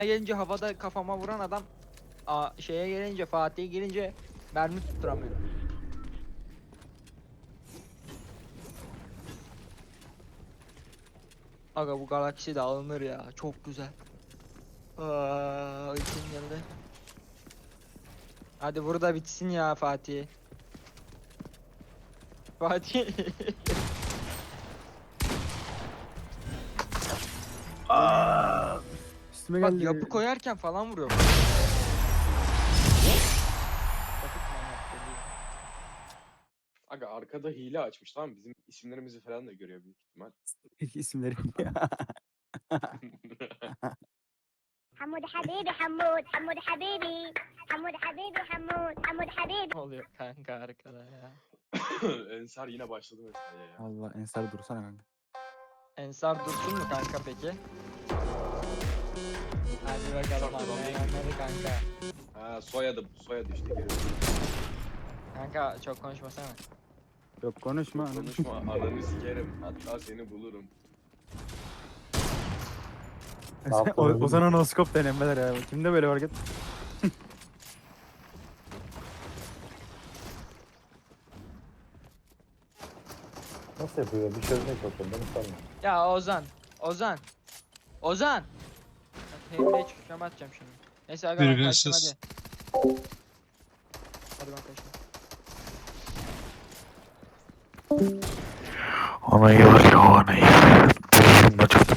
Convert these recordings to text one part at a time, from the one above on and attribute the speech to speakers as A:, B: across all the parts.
A: gelince havada kafama vuran adam şeye gelince Fatih'e gelince mermi tutturamıyor. Aga bu galaksi de alınır ya. Çok güzel. Uykum geldi. Hadi burada bitsin ya Fatih. Fatih.
B: Üstüme
A: Bak
B: geldi.
A: yapı koyarken falan vuruyor.
C: Aga arkada hile açmış, tamam mı? Bizim isimlerimizi falan da görüyor büyük ihtimal.
B: İsimleri.
D: حمود حبيبي حمود حمود حبيبي حمود حبيبي حمود حمود حبيبي.
A: Ne oluyor kanka arkada ya?
C: Ensar yine başladı mesela ya.
B: Allah Ensar dursana kanka.
A: Ensar dursun mu kanka peki? Hadi bakalım
C: Çok ulan değil.
A: anlayanları kanka.
C: Ha soyadı işte görüyorum.
A: Kanka çok konuşmasana.
B: Yok konuşma. anam.
C: Konuşma ananı sikerim, hatta seni bulurum.
B: Ozan'a noskop denemeler ya. Kimde böyle hareket?
E: Nasıl yapıyor? Bir çözmeye çalışıyorum. Beni sorma.
A: Ya Ozan. Ozan. Hemle çıkışlama atacağım şimdi. Neyse aga ben kaçtım
F: Birbirsiz.
A: hadi. Hadi ben kaçtım.
G: Ona iyi var ya ona iyi. Televizyonun açıldı.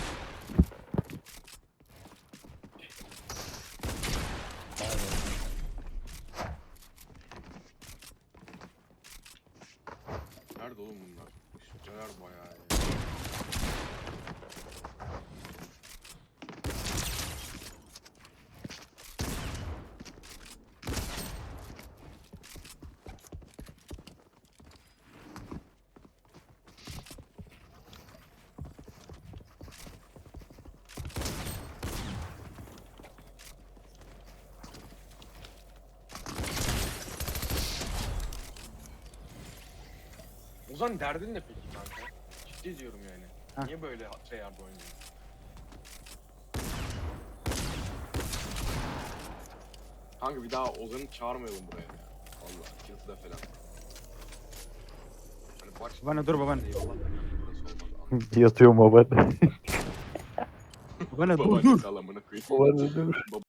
C: Nerede oğlum bunlar? Işıkçılar bayağı ya. Ozan derdin ne peki kanka? Ciddi diyorum yani.
B: Hah.
C: Niye böyle tryhard oynuyorsun? Kanka bir daha Ozan'ı çağırmayalım buraya ya. Allah yatıda falan. Hani baş...
B: Babaanne, dur babaanne.
C: Eyvallah da burası olmaz.
E: Yatıyor baba.
B: Bana dur
C: Babaanne
B: dur.
C: salamını koyayım.
E: Babaanne dur.